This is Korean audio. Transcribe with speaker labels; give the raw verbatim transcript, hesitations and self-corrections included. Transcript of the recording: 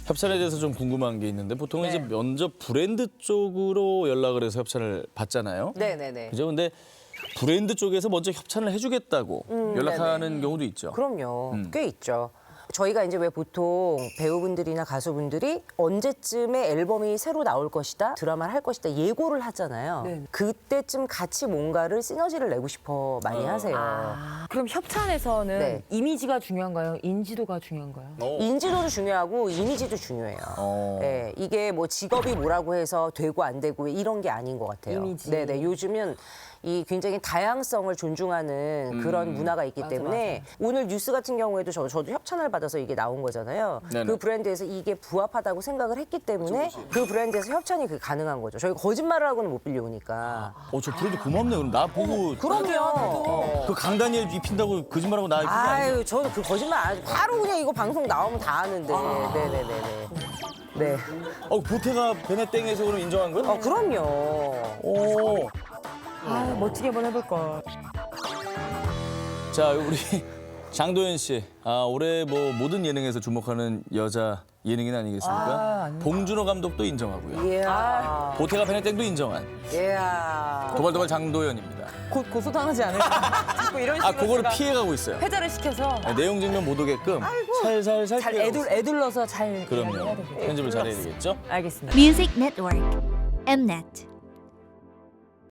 Speaker 1: 협찬에 대해서 좀 궁금한 게 있는데 보통 은
Speaker 2: 네.
Speaker 1: 이제 먼저 브랜드 쪽으로 연락을 해서 협찬을 받잖아요.
Speaker 2: 네네네.
Speaker 1: 그죠? 근데 브랜드 쪽에서 먼저 협찬을 해주겠다고
Speaker 2: 음,
Speaker 1: 연락하는 경우도 있죠.
Speaker 2: 그럼요.
Speaker 1: 음.
Speaker 2: 꽤 있죠. 저희가 이제 왜 보통 배우분들이나 가수분들이 언제쯤에 앨범이 새로 나올 것이다, 드라마를 할 것이다 예고를 하잖아요.
Speaker 3: 네.
Speaker 2: 그때쯤 같이 뭔가를 시너지를 내고 싶어 많이 하세요.
Speaker 3: 아, 그럼 협찬에서는
Speaker 2: 네.
Speaker 3: 이미지가 중요한가요? 인지도가 중요한가요?
Speaker 2: 인지도도 중요하고 이미지도 중요해요.
Speaker 1: 어.
Speaker 2: 네, 이게 뭐 직업이 뭐라고 해서 되고 안 되고 이런 게 아닌 것 같아요.
Speaker 3: 이미지.
Speaker 2: 네네, 요즘은 이 굉장히 다양성을 존중하는 그런 문화가 있기
Speaker 3: 맞아,
Speaker 2: 때문에 오늘 뉴스 같은 경우에도 저, 저도 협찬을 받아서 이게 나온 거잖아요.
Speaker 1: 네네.
Speaker 2: 그 브랜드에서 이게 부합하다고 생각을 했기 때문에 그 브랜드에서 협찬이 그 가능한 거죠. 저희가 거짓말을 하고는 못 빌려오니까.
Speaker 1: 어, 저 브랜드 고맙네. 그럼 나 보고
Speaker 2: 그럼요.
Speaker 1: 그 강다니엘 입힌다고 거짓말하고 나 그게 아니죠.
Speaker 2: 아유, 저는 그 거짓말 안 하죠. 바로 그냥 이거 방송 나오면 다 아는데. 네네네네. 네.
Speaker 1: 어, 보태가 베네땡에서 그럼 인정한 거야?
Speaker 2: 어, 그럼요.
Speaker 1: 오.
Speaker 3: 아, 멋지게 한번 해볼 걸.
Speaker 1: 자, 우리 장도연 씨. 아, 올해 뭐 모든 예능에서 주목하는 여자 예능인 아니겠습니까?
Speaker 3: 아, 아닙니다.
Speaker 1: 봉준호 감독도 인정하고요.
Speaker 2: 이야.
Speaker 1: 보태가 베네땡도 인정한
Speaker 2: 이야.
Speaker 1: 도발도발 장도연입니다.
Speaker 3: 곧 고소당하지 않을까? 자꾸 이런
Speaker 1: 아,
Speaker 3: 식으로
Speaker 1: 그거를
Speaker 3: 제가
Speaker 1: 피해가고 있어요.
Speaker 3: 회자를 시켜서
Speaker 1: 네, 내용 증명 못 오게끔 살살살
Speaker 3: 잘
Speaker 1: 피해가고
Speaker 3: 애둘,
Speaker 1: 있어요.
Speaker 3: 애둘러서 잘 이야기해야
Speaker 1: 그럼요.
Speaker 3: 되겠죠.
Speaker 1: 편집을 잘해야 되겠죠?
Speaker 3: 알겠습니다.
Speaker 4: Music Network. Mnet.